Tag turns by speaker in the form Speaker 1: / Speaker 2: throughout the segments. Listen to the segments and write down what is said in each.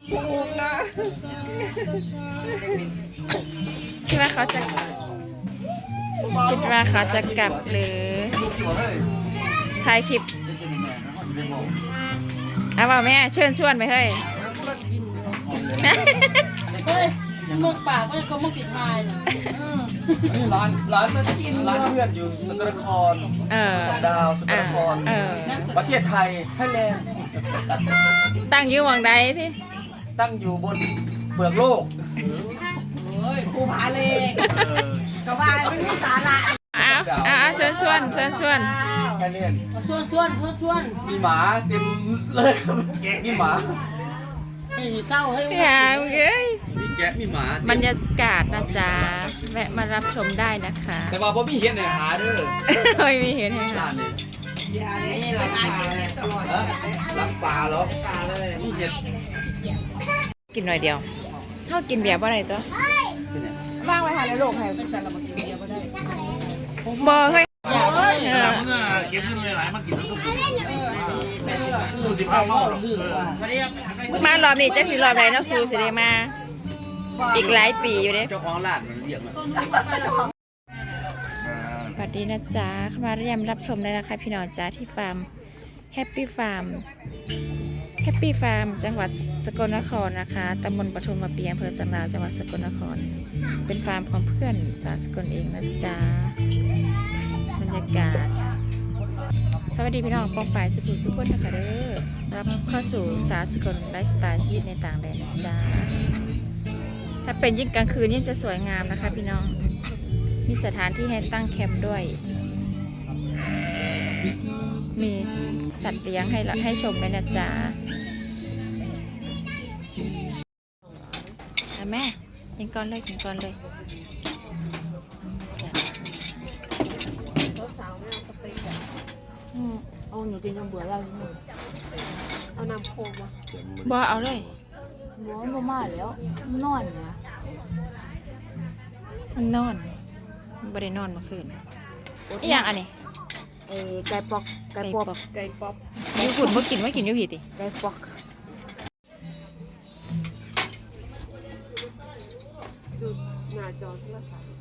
Speaker 1: ถูกนะ
Speaker 2: คิดว่าเขาจะกลับหรือถ่ายคลิปเอาเปล่าแม่เชิญชวนไปเฮ้ย
Speaker 3: เฮ้ยมึกปากก็ก็มึกสิทายนะ
Speaker 1: ร้านมันกินร้านเพื่อนอยู่สกลนครดาวสกลนครประเทศไทยไทยแลนด์
Speaker 2: ตั้งอยู่หวังใดที่
Speaker 1: ตั้งอยู่บนเปลือกโลก
Speaker 3: เฮ้ยภูผาเลกกระบายไม่มีสาระ
Speaker 2: เชิญชวน
Speaker 1: ไทยแลนด์
Speaker 3: ส่วน
Speaker 1: มีหมาเต็มเลยแกะมีหมา
Speaker 3: ให้เศร้าให้
Speaker 2: อย่าเอ้ย
Speaker 1: มีแกะมีหมา
Speaker 2: บรรยากาศนะจ๊ะแวะมารับชมได้นะคะ
Speaker 1: แต่ว่าผมมีเห็นในหาเด้อ
Speaker 2: ไม่มีเห็นให้ค่ะ
Speaker 3: อย่าเนี่ยเราตายตลอด
Speaker 1: รับปลาเหรอปลาเลยนี่เห็ด
Speaker 2: กินหน่อยเดียวเขากินเบียร์บ่ได้ตัวว่างไว้ทานในโลกให้
Speaker 3: เป็นสารบัญกินเบียร์บ่ได้
Speaker 2: บ่เฮ้ย
Speaker 3: อย่าเลย
Speaker 1: เก็บเงินหลายมากินแล้วก็ดูสิข้าวเมาหรอ
Speaker 2: มารอบนี้จะสิรอบไหนเนาะซูสิได้มาอีกหลายปีอยู่เด้
Speaker 1: เจ้าของร้านมันเรียกมา
Speaker 2: สวัสดีนะจ๊ะมาเรียมรับชมได้นะคะพี่น้องจ๊ะที่ฟาร์มแฮปปี้ฟาร์มจังหวัดสกลนครนะคะตำบลปทุมมาเปียอำเภอสันดาวจังหวัดสกลนครเป็นฟาร์มของเพื่อนสาวสกลเองนะจ๊ะบรรยากาศสวัสดีพี่น้องกองฝ่ายสุขุมสุขคนนะคะเด้อรับเข้าสู่สาวสกลไลฟ์สไตล์ชีวิตในต่างแดนนะจ๊ะถ้าเป็นยิ่งกลางคืนยิ่งจะสวยงามนะคะพี่น้องมีสถานที่ให้ตั้งแคมป์ด้วยมีสัตว์เลี้ยงให้ชมด้วยนะจ๊ะแม่กินก่อนเลย
Speaker 3: เอาหนูกินจนเบื่อแล้วเอาน้ำโคมวะ
Speaker 2: บ่เอาเลย
Speaker 3: บ่มาแล้วนอนนะ
Speaker 2: มันนอนบ่ได้นอนเมื่อคืนอีหยังอันนี้
Speaker 3: ไก่ปอก
Speaker 2: อยู่ฝุ่นบ่กินอยู่ผิดติ
Speaker 3: ไก่ปอกหน้าจอโทรศัพท์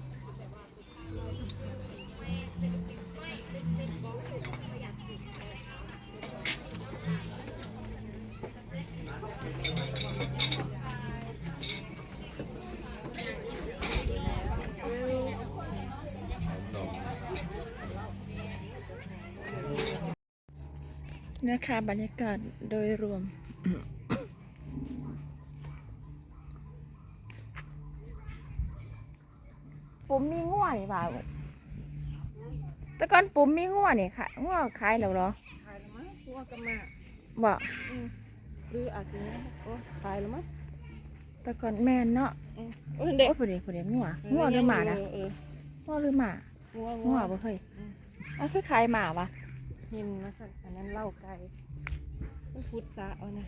Speaker 2: นะคะบรรยากาศโดยรวมปุ๋มมีง่วนี่บ่าวแต่ก่อนปุ๋มมีง่วนี่ค่ะง่วขายแล้วเหรอ
Speaker 3: ขายแล้วมั้งง่วก็มา
Speaker 2: บ่
Speaker 3: หรืออาจจะขายแล้วมั้ง
Speaker 2: แต่ก่อนแม่นเนาะเด็กพอดีง่วหรือหมานะง่วหรือหมาง่วบ่เคยคือขายหมาวะ
Speaker 3: หินนะสักอันนั้นเล่าไก่มันพุทธะเอานะ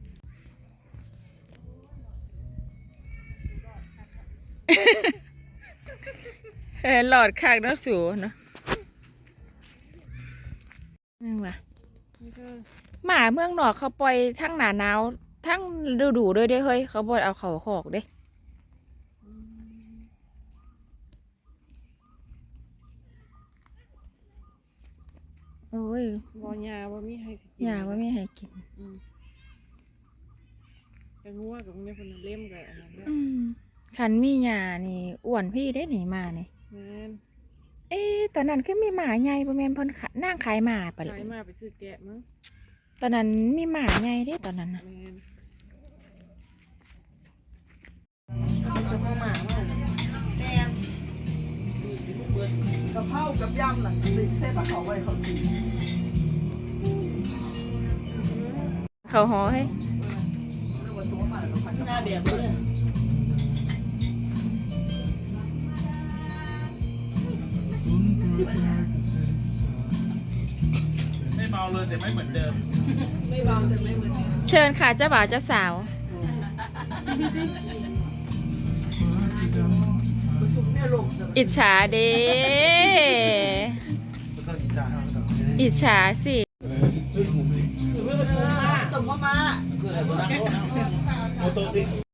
Speaker 2: หลอดคางน้ำสูเนาะนี่ว่ะหมาเมืองนอกเขาปล่อยทั้งหนาหนาวทั้งฤดูด้วยเด้เฮ้ยเขาบ่เอาเขาขอกเด้โอ้ย
Speaker 3: ยาว่ามีให้กิน
Speaker 2: ยาว่ามีให้กิน
Speaker 3: แต่งัวกับเนี่ยคนเล่มกันอันนั้น
Speaker 2: ขันมียานี่อ้วนพี่ได้หนีมานี่ตอนนั้นคือมีหมาใหญ่ประมาณพนนั่งขายหมาไปเลย
Speaker 3: ขายหมาไปซื้อแกะมั้ง
Speaker 2: ตอนนั้นมีหมาใหญ่ได้ตอนนั้นนะ
Speaker 3: จะมาหมาแม่
Speaker 1: กะเพรากับยำหลังสิเส้นปลาเขาไว้เขากิน
Speaker 2: เขาห่อให้
Speaker 3: หน้าแบบเลย
Speaker 1: ไม่เมาเลยแต่ไม่เหมือนเดิม
Speaker 3: ไม่เบาแต่ไม่เหมือน
Speaker 2: เชิญค่ะเจ้าบ่าวเจ้าสาวอิจฉาเด้อิจฉาสิ
Speaker 1: ตบมาปิด